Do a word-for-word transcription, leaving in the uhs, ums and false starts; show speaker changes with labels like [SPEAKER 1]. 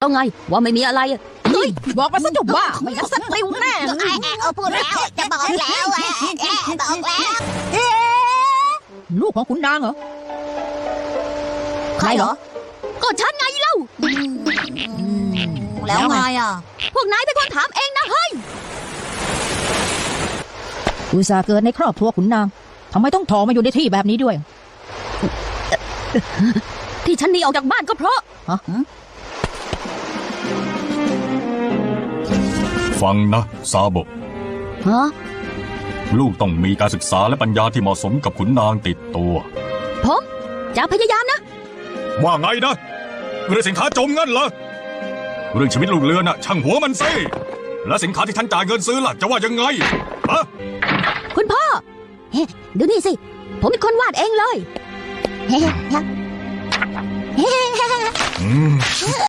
[SPEAKER 1] เอาไงว่าไม่มีอะไรอะเฮ้ย
[SPEAKER 2] บอกมาซะจุบว่าไม่งั้นสติวแน่
[SPEAKER 3] ไอ้เออพูดแล้วจะบอกแล้วแอะบอกแล้ว
[SPEAKER 2] ลูกของคุณนางเหรอ
[SPEAKER 3] ใครเหรอ
[SPEAKER 1] ก็ฉันไงเล่า
[SPEAKER 3] แล้วไงอ่ะ
[SPEAKER 1] พวกนายเป็นคนถามเองนะเฮ้ย
[SPEAKER 2] อุตส่าห์เกิดในครอบครัวขุนนางทำไมต้องถอมาอยู่ในที่แบบนี้ด้วย
[SPEAKER 1] ที่ฉันหนีออกจากบ้านก็เพราะ
[SPEAKER 2] ฮะ
[SPEAKER 4] ฟังนะซาโบะ
[SPEAKER 1] ฮะ
[SPEAKER 4] ลูกต้องมีการศึกษาและปัญญาที่เหมาะสมกับขุนนางติดตัว
[SPEAKER 1] ผมจะพยายามนะ
[SPEAKER 4] ว่าไงนะเรื่องสินค้าจมงั้นเหรอเรื่องชีวิตลูกเรือน่ะช่างหัวมันสิและสินค้าที่ท่านจ่ายเงินซื้อล่ะจะว่ายังไงฮะ
[SPEAKER 1] คุณพ่อเฮ้ดูนี่สิ ผมเป็นคนวาดเองเลย
[SPEAKER 4] อืม